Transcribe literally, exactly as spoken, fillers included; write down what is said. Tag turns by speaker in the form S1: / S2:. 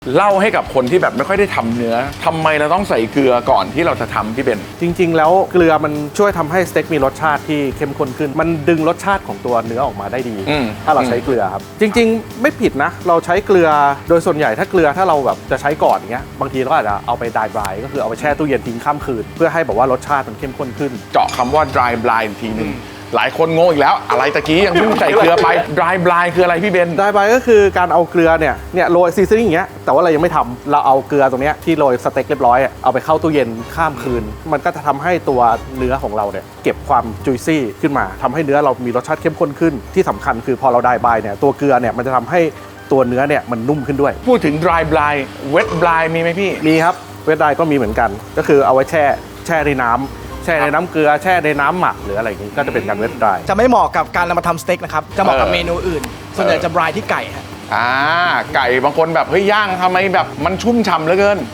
S1: เล่าให้กับคนที่แบบไม่ค่อยได้ทำเนื้อทำไมเราต้องใส่เกลือก่อนที่เราจะทำพี่เบน
S2: จริงๆแล้วเกลือมันช่วยทำให้สเต็กมีรสชาติที่เข้มข้นขึ้นมันดึงรสชาติของตัวเนื้อออกมาได้ดีถ้าเราใช้เกลือครับจริงๆไม่ผิดนะเราใช้เกลือโดยส่วนใหญ่ถ้าเกลือถ้าเราแบบจะใช้ก่อนเงี้ยบางทีเราอาจจะเอาไปดรายบรายก็คือเอาไปแช่ตู้เย็นทิ้งข้ามคืนเพื่อให้แบบว่ารสชาติมันเข้มข้นขึ้น
S1: เจาะคำว่า dry blind ทีนึงหลายคนงงอีกแล้วอะไรตะกี้ยังเพิ่งใส่เกลือไป dry blind คืออะไรพี่เบน
S2: dry bry ก็คือการเอาเกลือเนี่ยเนี่ยโรยซีซันนิ่งอย่างเงี้ยแต่ว่าเรายังไม่ทำเราเอาเกลือตรงเนี้ยที่โรยสเต็กเรียบร้อยเอาไปเข้าตู้เย็นข้ามคืนมันก็จะทำให้ตัวเนื้อของเราเนี่ยเก็บความจุยซี่ขึ้นมาทำให้เนื้อเรามีรสชาติเข้มข้นขึ้นที่สำคัญคือพอเรา dry bry เนี่ยตัวเกลือเนี่ยมันจะทำให้ตัวเนื้อเนี่ยมันนุ่มขึ้นด้วย
S1: พูดถึง dry blind wet blind มีไหมพี่
S2: มีครับเวท dry ก็มีเหมือนกันก็คือเอาไว้แช่แช่ในน้ำแช่ในน้ำเกลือแช่ในน้ำหมักหรืออะไรอย่างนี้ก็จะเป็นการเวทดราย
S3: จะไม่เหมาะกับการนำมาทำสเต็กนะครับจะเหมาะกับเมนูอื่นส่วนใหญ่จะบรายที่ไก่ฮะ
S1: อ่าไก่บางคนแบบเฮ้ยย่างทำไมแบบมันชุ่มฉ่ำเหลือเกิน